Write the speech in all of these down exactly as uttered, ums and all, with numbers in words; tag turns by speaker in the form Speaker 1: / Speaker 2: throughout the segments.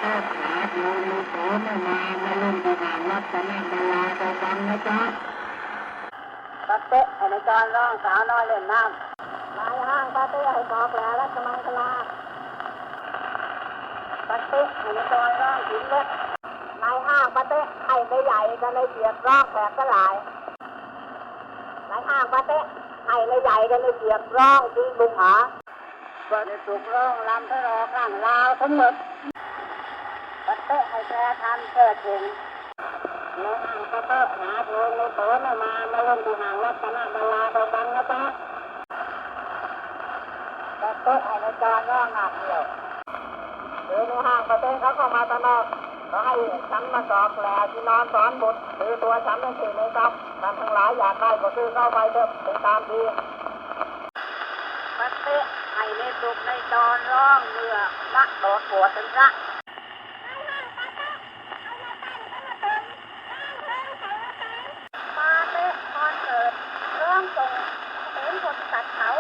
Speaker 1: ทศหาโยนิโสไม่มามาเล่นที่หางรัตนบัลลาไปฟังนะจ๊ะปะเต๊ะไอ้ในจอนร้องสาวน้อยเล่นน้ำนายห้างปะเต๊ะให้บอกแหล่รัชมังคลาปะเต๊ะไอ้ในจอนร้องหินเล็กนายห้างปะเต๊ะให้ไปใหญ่กันเลยเสียบร้องแผลกระหลายนายห้างปะเต๊ะให้เลยใหญ่กันเลยเสียบร้องที่บุงหาก็จะสุกร้องลำทะเลาะข้างลาวทั้งหมดปะเต๊ะให้แกทำเกิดถึงในห้างปะเต๊ะหาโยนิโสไม่มามาเล่นที่หางรัตนบัลลาไปฟังนะจ๊ะปะเต๊ะให้ในจอนร้องหนักเดียวหรือในห้างปะเต๊ะเขาเข้ามาตะนอกก็ให้ฉันมาสอกแหล่ที่นอนสอนบุตรหรือตัวฉันนั่นคือในทรัพย์ท่านทั้งหลายอยากได้ก็ซื้อเข้าไปเถอะเป็นตามทีปะเต๊ะให้ในสุกในจอนร้องเมื่อนักโดดหัวถึงพระมาเต๊ะคอนเสิร์ตร้องส่งเป็นคนตัดเขา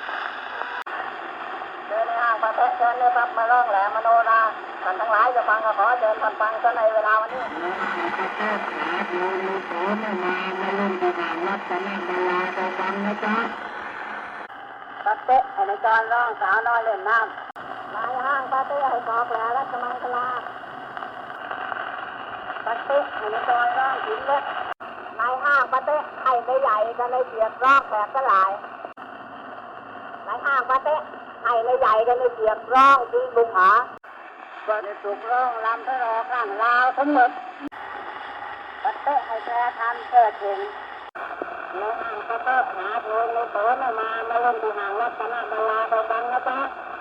Speaker 1: เดินในห้างปะเต๊ะเชิญเลยครับมาร้องแหล่มโนราท่านทั้งหลายจะฟังก็ขอเชิญท่านฟังซะในเวลาวันนี้ปะเต๊ะหาโยนิโสไม่มามาเล่นที่หางรัตนบัลลาไปฟังนะจ๊ะปะเต๊ะไอ้ในจอนร้องสาวน้อยเล่นน้ำนายห้างปะเต๊ะให้บอกแหล่รัชมังคลาปะเต๊ะไอ้ในจอนร้องหินเล็กนายห้างปะเต๊ะให้ไปใหญ่กันเลยเสียบร้องแผลกระหลายนายห้างปะเต๊ะให้เลยใหญ่กันเลยเสียบร้องที่บุงหาก็จะสุกร้องลำทะเลาะข้างลาวทั้งหมดปะเต๊ะให้แกทำเกิดถึงในห้างปะเต๊ะหาโยนิโสไม่มามาเล่นที่หางรัตนบัลลาไปฟังนะจ๊ะ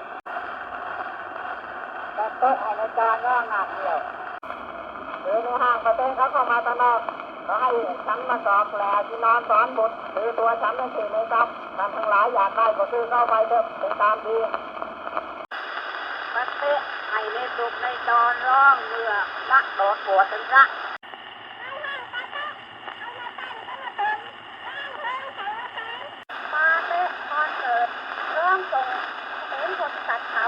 Speaker 1: ปะเต๊ะให้ในจอนร้องหนักเดียวหรือในห้างปะเต๊ะเขาเข้ามาตะนอกก็ให้ฉันมาสอกแหล่ที่นอนสอนบุตรหรือตัวฉันนั่นคือในทรัพย์ท่านทั้งหลายอยากได้ก็ซื้อเข้าไปเถอะเป็นตามทีปะเต๊ะให้ในสุกในจอนร้องเมื่อนักโดดหัวถึงพระมาเต๊ะคอนเสิร์ตร้องส่งเป็นคนตัดเขา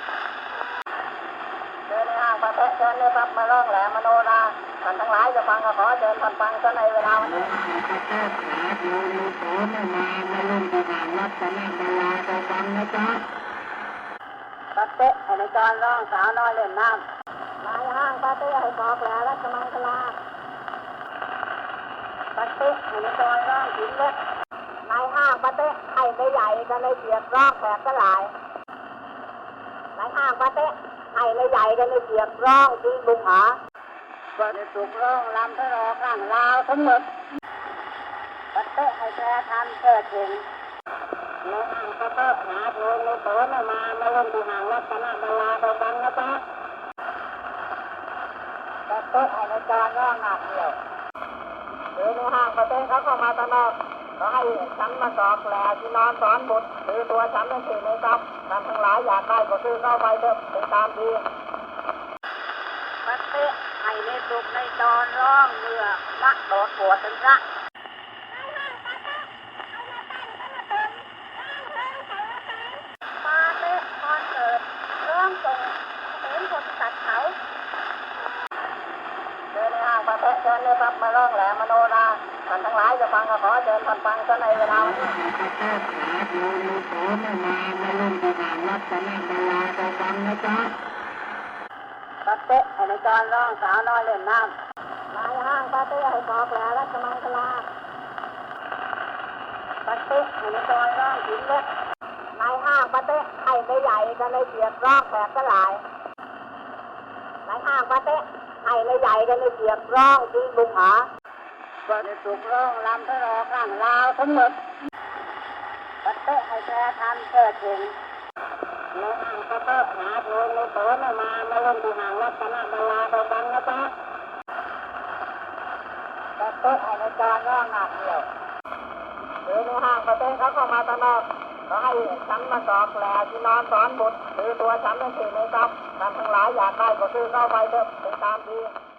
Speaker 1: เดินในห้างปะเต๊ะเชิญเลยครับมาร้องแหล่มโนราท่านทั้งหลายจะฟังก็ขอเชิญท่านฟังซะในเวลาวันนี้ปะเต๊ะหาโยนิโสไม่มามาเล่นที่หางรัตนบัลลาไปฟังนะจ๊ะปะเต๊ะไอ้ในจอนร้องสาวน้อยเล่นน้ำนายห้างปะเต๊ะให้บอกแหล่รัชมังคลาปะเต๊ะไอ้ในจอนร้องหินเล็กนายห้างปะเต๊ะให้ไปใหญ่กันเลยเสียบร้องแผลกระหลายนายห้างปะเต๊ะให้เลยใหญ่กันเลยเสียบร้องที่บุงหาก็จะสุกร้องลำทะเลาะข้างลาวทั้งหมดปะเต๊ะให้แกทำเกิดถึงในห้างปะเต๊ะหาโยนิโสไม่มามาเล่นที่หางรัตนบัลลาไปฟังนะจ๊ะปะเต๊ะให้ในจอนร้องหนักเดียวหรือในห้างปะเต๊ะเขาเข้ามาตะนอกก็ให้ฉันมาสอกแหล่ที่นอนสอนบุตรหรือตัวฉันนั่นคือในทรัพย์ท่านทั้งหลายอยากได้ก็ซื้อเข้าไปเถอะเป็นตามทีปะเต๊ะให้ในสุกในจอนร้องเมื่อนักโดดหัวถึงพระมาเต๊ะคอนเสิร์ตร้องส่งเป็นคนตัดเขาเดินในห้างปะเต๊ะเชิญเลยครับมาร้องแหล่มโนราท่านทั้งหลายจะฟังก็ขอเชิญท่านฟังซะในเวลาวันนี้ปะเต๊ะหาโยนิโสไม่มามาเล่นที่หางรัตนบัลลาไปฟังนะจ๊ะปะเต๊ะไอ้ในจอนร้องสาวน้อยเล่นน้ำนายห้างปะเต๊ะให้บอกแหล่รัชมังคลาปะเต๊ะไอ้ในจอนร้องหินเล็กนายห้างปะเต๊ะให้ไปใหญ่กันเลยเสียบร้องแผลกระหลายนายห้างปะเต๊ะให้เลยใหญ่กันเลยเสียบร้องที่บุงหาก็จะสุกร้องลำทะเลาะข้างลาวทั้งหมดปะเต๊ะให้แกทำเกิดถึงในห้างปะเต๊ะหาโยนิโสไม่มามาเล่นที่หางรัตนบัลลาไปฟังนะจ๊ะปะเต๊ะให้ในจอนร้องหนักเดียวหรือในห้างปะเต๊ะเขาเข้ามาตะนอกก็ให้ฉันมาสอกแหล่ที่นอนสอนบุตรหรือตัวฉันนั่นคือในทรัพย์ท่านทั้งหลายอยากได้ก็ซื้อเข้าไปเถอะเป็นตามที